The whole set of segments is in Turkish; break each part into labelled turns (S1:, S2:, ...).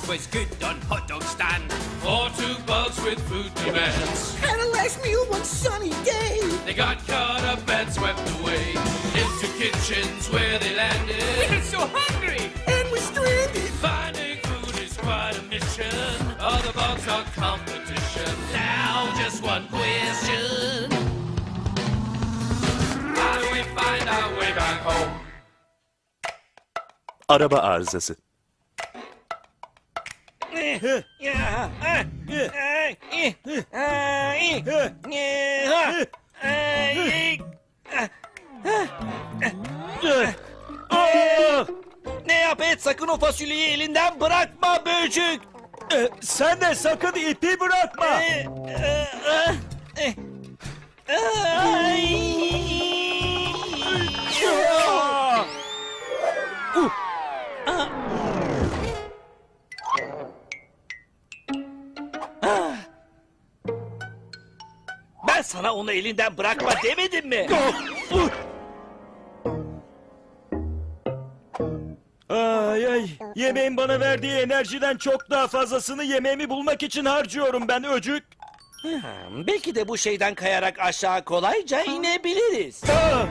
S1: was good on hot dog stand. For 2 bucks with food demands.
S2: Had a last meal one sunny day.
S1: They got caught up and swept away into kitchens where they landed. We're so hungry
S2: And we're stranded.
S1: Finding food is quite a mission. Other bugs are competition. Now just one question. How do we find our way back home?
S3: Araba arızası.
S4: Ne yap et, sakın o fasulyeyi elinden bırakma böcük.
S3: Sen de sakın ipi bırakma.
S4: Ben sana onu elinden bırakma demedim mi?
S3: Ay ay. Yemeğin bana verdiği enerjiden çok daha fazlasını yemeğimi bulmak için harcıyorum ben öcük.
S4: Belki de bu şeyden kayarak aşağı kolayca inebiliriz.
S3: Ah!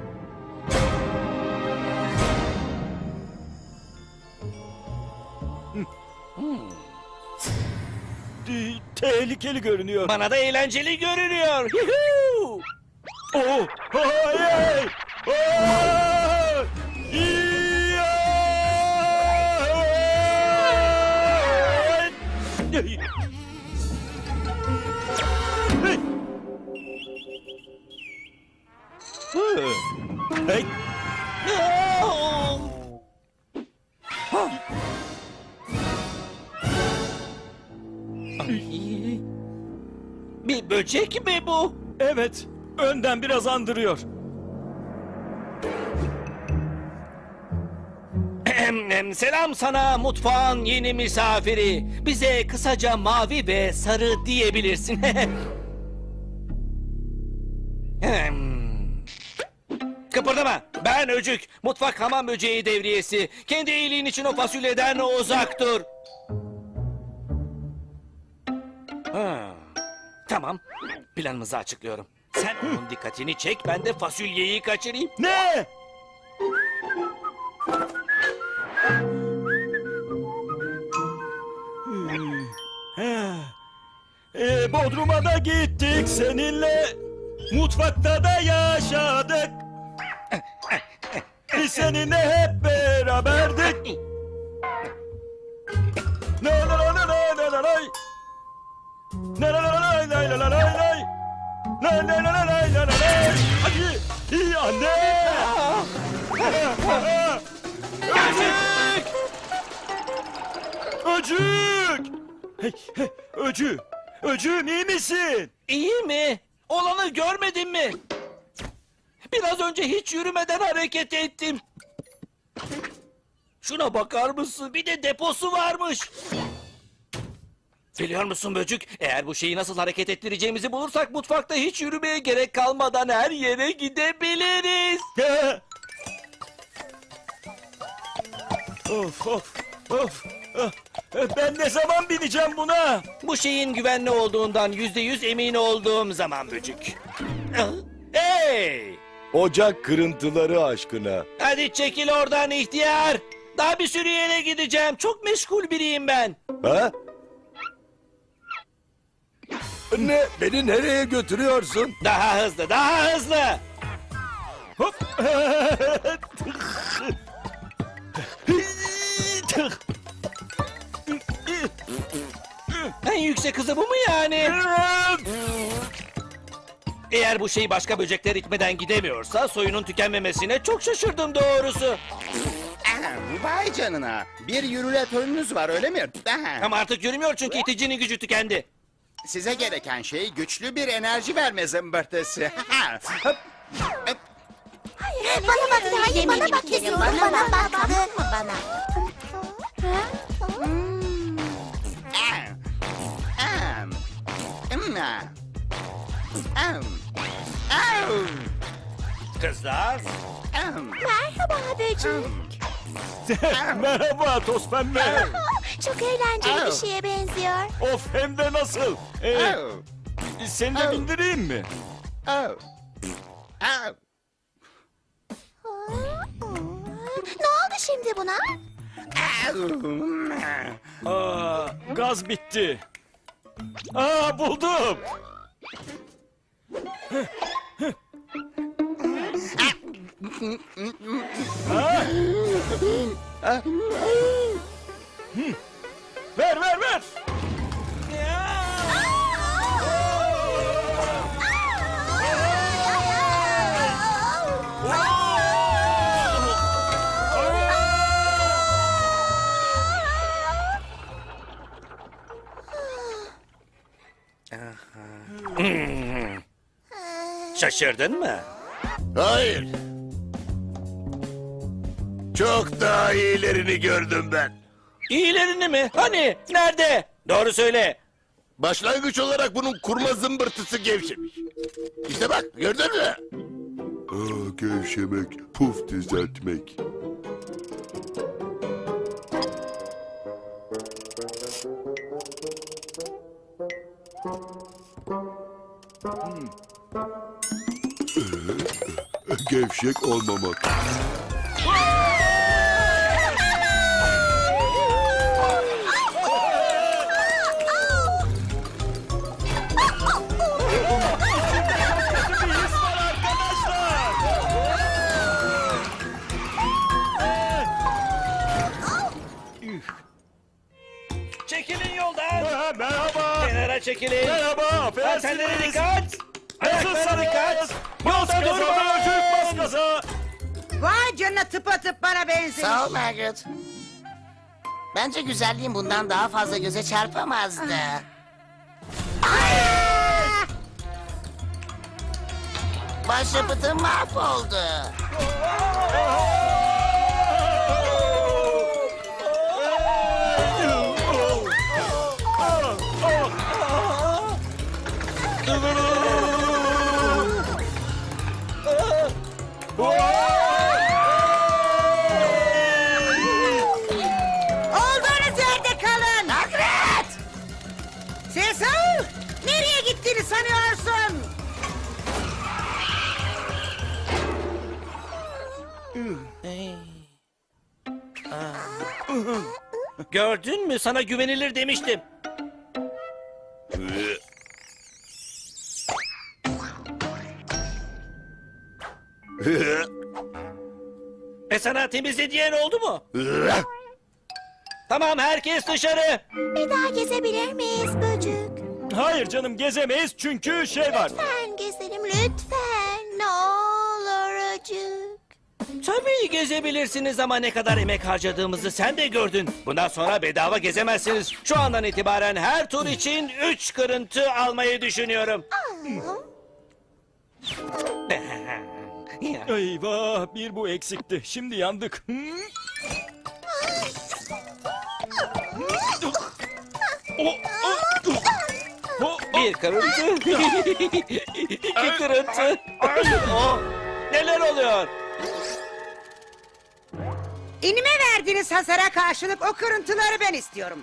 S3: Tehlikeli görünüyor.
S4: Bana da eğlenceli görünüyor. Yuhuu!
S3: Oh! Hayır! Oh! Hey!
S4: Bir böcek mi bu?
S3: Evet, önden biraz andırıyor.
S4: Selam sana mutfağın yeni misafiri. Bize kısaca mavi ve sarı diyebilirsin. Kıpırdama. Ben Öcük. Mutfak hamam böceği devriyesi. Kendi iyiliğin için o fasulyeden uzak dur. Tamam. Planımızı açıklıyorum. Sen onun dikkatini çek, ben de fasulyeyi kaçırayım.
S3: Ne? Bodrum'a da gittik seninle. Mutfakta da yaşadık. Biz seninle hep beraberdik. La la la la la la la. La la la la la la la la la. La la la la la la la. Hadi, iyi anne. Öcük! Öcük! Hey, hey, Öcü! Öcüğüm iyi misin?
S4: İyi mi? Olanı görmedin mi? Biraz önce hiç yürümeden hareket ettim. Şuna bakar mısın? Bir de deposu varmış. Biliyor musun böcük? Eğer bu şeyi nasıl hareket ettireceğimizi bulursak mutfakta hiç yürümeye gerek kalmadan her yere gidebiliriz.
S3: Of of of. Ben ne zaman bineceğim buna?
S4: Bu şeyin güvenli olduğundan %100 emin olduğum zaman böcük. Hey!
S5: Ocak kırıntıları aşkına.
S4: Hadi çekil oradan ihtiyar. Daha bir sürü yere gideceğim. Çok meşgul biriyim ben.
S5: Ha? Ne? Beni nereye götürüyorsun?
S4: Daha hızlı, daha hızlı.
S3: Hop.
S4: En yüksek hızı bu mu yani? Eğer bu şey başka böcekler itmeden gidemiyorsa soyunun tükenmemesine çok şaşırdım doğrusu.
S6: Vay canına. Bir yürületörünüz var öyle mi?
S4: Ama artık yürümüyor çünkü iticinin gücü tükendi.
S6: Size gereken şey güçlü bir enerji verme zımbırtısı. Hop, hop.
S7: Bana bak, hayır bana bak diyorum. Bana bak. Bana.
S4: Kızlar.
S7: Merhaba böcek.
S3: Merhaba toz pembe.
S7: Çok eğlenceli bir şeye benziyor.
S3: Of hem de nasıl?
S6: Oh.
S3: Seni de bindireyim mi?
S6: Oh. Oh.
S7: Ne oldu şimdi buna?
S3: Aa, gaz bitti. Aa, buldum. Ha? Ver ver ver.
S4: Şaşırdın mı?
S5: Hayır. Çok daha iyilerini gördüm ben.
S4: İyilerini mi? Hani? Nerede? Doğru söyle.
S5: Başlangıç olarak bunun kurma zımbırtısı gevşemiş. İşte bak gördün mü? Gevşemek, puf düzeltmek. Gevşek olmamak.
S3: Bir his var arkadaşlar.
S4: Çekilin yoldan.
S3: Merhaba.
S4: Kenara çekilin.
S3: Merhaba.
S4: Senlere
S3: Affedersiniz.
S4: dikkat. Ayaklara dikkat.
S3: Bas
S4: Yoldan
S3: gaza
S4: durmayın.
S3: Böcük, bas gaza.
S8: Vay canına tıpatıp bana benzemiş.
S9: Sağ ol Margaret. Bence güzelliğin bundan daha fazla göze çarpamazdı. Başyapıtım mahvoldu.
S8: Olduğunuz yerde kalın.
S9: Margaret!
S8: Cecil! Nereye gittiğini sanıyorsun?
S4: Gördün mü? Sana güvenilir demiştim. Sana temizle diyen oldu mu? Tamam, herkes dışarı.
S7: Bir daha gezebilir miyiz böcük?
S3: Hayır canım gezemeyiz çünkü şey var.
S7: Lütfen gezelim lütfen. Ne olur acık.
S4: Tabii gezebilirsiniz ama ne kadar emek harcadığımızı sen de gördün. Bundan sonra bedava gezemezsiniz. Şu andan itibaren her tur için 3 kırıntı almayı düşünüyorum.
S3: Eyvah bir bu eksikti. Şimdi yandık.
S4: Bir kırıntı. İki kırıntı. Oh, neler oluyor?
S8: İnime verdiğiniz hasara karşılık o kırıntıları ben istiyorum.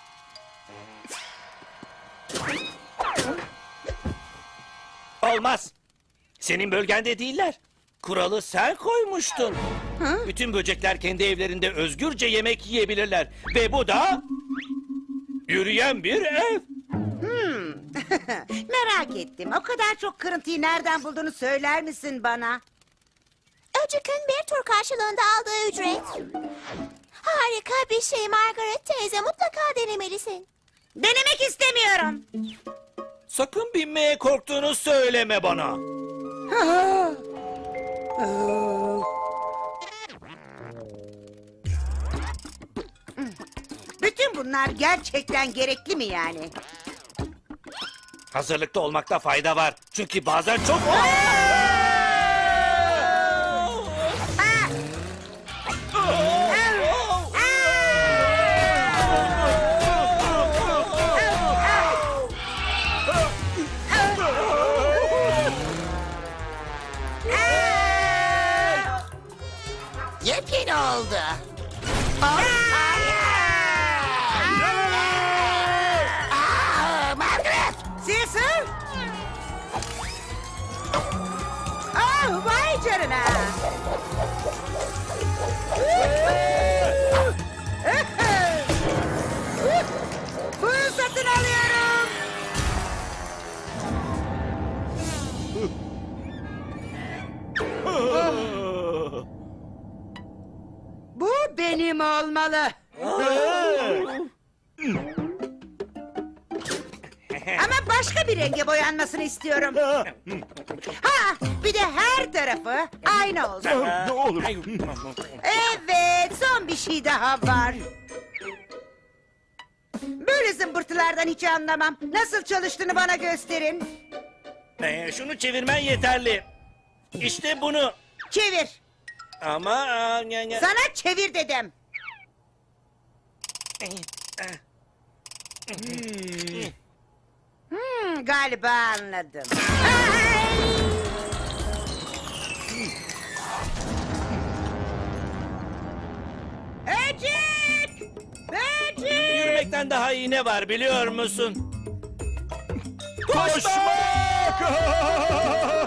S4: Olmaz. Senin bölgende değiller. Kuralı sen koymuştun. Bütün böcekler kendi evlerinde özgürce yemek yiyebilirler. Ve bu da yürüyen bir ev.
S8: Merak ettim. O kadar çok kırıntıyı nereden bulduğunu söyler misin bana?
S7: Öcük'ün bir tur karşılığında aldığı ücret. Harika bir şey Margaret teyze, mutlaka denemelisin.
S8: Denemek istemiyorum.
S4: Sakın binmeye korktuğunu söyleme bana.
S8: Bütün bunlar gerçekten gerekli mi yani?
S4: Hazırlıklı olmakta fayda var. Çünkü bazen çok...
S9: Yepyeni oldu.
S8: canına. Fırsatını alıyorum. Bu benim olmalı. Ama başka bir renge boyanmasını istiyorum. Ha, bir de her tarafı aynı olsun.
S3: Ne olur.
S8: Evet, son bir şey daha var. Böyle zımbırtılardan hiç anlamam. Nasıl çalıştığını bana gösterin.
S4: Şunu çevirmen yeterli. İşte bunu.
S8: Çevir.
S4: Ama...
S8: Sana çevir dedim. Galiba anladım. Böcek! Böcek!
S4: Yürümekten daha iyi ne var biliyor musun?
S3: Koşmak!